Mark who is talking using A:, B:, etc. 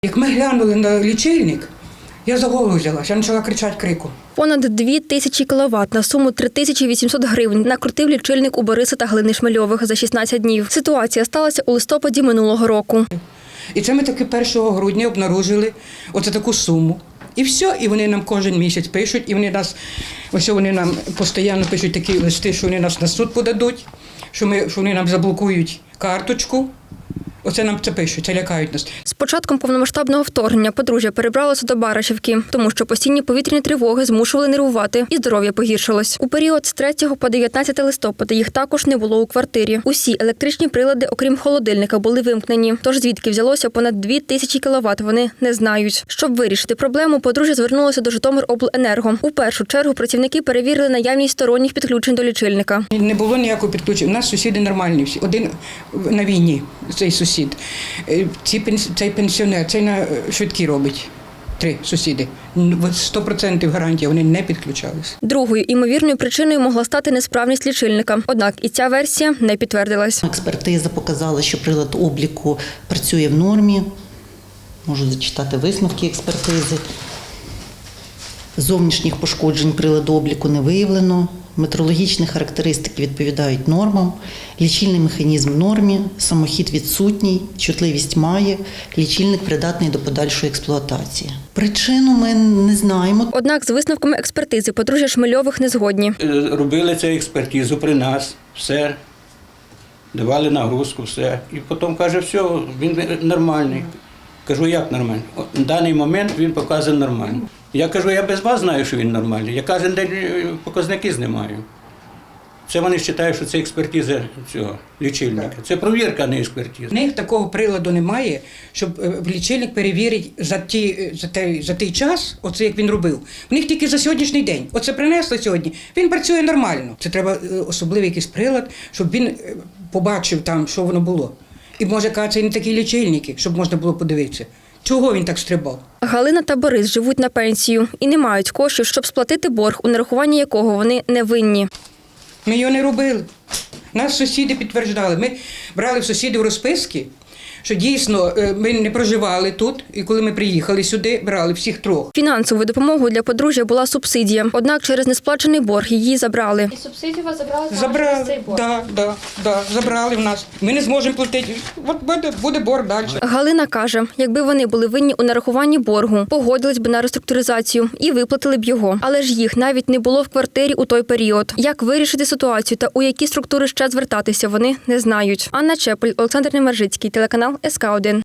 A: Як ми глянули на лічильник, я за голову взялася, я почала кричати крику.
B: Понад 2000 кіловат на суму 3800 гривень накрутив лічильник у Бориса та Галини Шмельових за 16 днів. Ситуація сталася у листопаді минулого року.
A: І це ми таки 1 грудня обнаружили оце таку суму. І все, і вони нам кожен місяць пишуть, і вони нам постійно пишуть такі листи, що вони нас на суд подадуть, що вони нам заблокують карточку. Оце нам це пишуть, це лякають нас.
B: З початком повномасштабного вторгнення подружжя перебралося до Барашівки, тому що постійні повітряні тривоги змушували нервувати і здоров'я погіршилось. У період з 3 по 19 листопада їх також не було у квартирі. Усі електричні прилади, окрім холодильника, були вимкнені. Тож звідки взялося понад 2000 кіловат, вони не знають. Щоб вирішити проблему, подружжя звернулося до Житомиробленерго. У першу чергу працівники перевірили наявність сторонніх підключень до лічильника.
A: Не було ніякого підключення. У нас сусіди нормальні всі. Один на війні, цей сусід. Цей пенсіонер, цей на швидкі робить. 3 сусіди. 100% гарантія, вони не підключалися.
B: Другою імовірною причиною могла стати несправність лічильника. Однак і ця версія не підтвердилась.
C: Експертиза показала, що прилад обліку працює в нормі. Можу зачитати висновки експертизи. Зовнішніх пошкоджень приладу обліку не виявлено. Метрологічні характеристики відповідають нормам, лічильний механізм в нормі, самохід відсутній, чутливість має, лічильник придатний до подальшої експлуатації. Причину ми не знаємо.
B: Однак з висновками експертизи подружжя Шмельових не згодні.
D: Робили цю експертизу при нас, все, давали нагрузку, все. І потім каже, все, він нормальний. Кажу, як нормальний? На даний момент він показує нормально. Я кажу, я без вас знаю, що він нормальний. Я кожен день показники знімаю. Це вони вважають, що це експертиза цього лічильника. Це провірка, а не експертиза.
A: У них такого приладу немає, щоб лічильник перевірить за той час, оце як він робив. У них тільки за сьогоднішній день. Оце принесли сьогодні, він працює нормально. Це треба особливий якийсь прилад, щоб він побачив там, що воно було. І може казати, це не такі лічильники, щоб можна було подивитися. Чого він так стрибав?
B: Галина та Борис живуть на пенсію і не мають коштів, щоб сплатити борг, у нарахуванні якого вони не винні.
A: Ми його не робили. Нас сусіди підтверджували. Ми брали в сусідів розписки, що дійсно ми не проживали тут, і коли ми приїхали сюди, брали всіх 3.
B: Фінансовою допомогою для подружжя була субсидія, однак через несплачений борг її забрали.
E: І субсидію вас забрали
A: Забрали,
E: цей борг?
A: Да, забрали в нас. Ми не зможемо платити, от буде борг далі.
B: Галина каже, якби вони були винні у нарахуванні боргу, погодились би на реструктуризацію і виплатили б його. Але ж їх навіть не було в квартирі у той період. Як вирішити ситуацію та у які структури ще звертатися, вони не знають. Анна Чепель, Олександр Немержицький, телеканал СК1.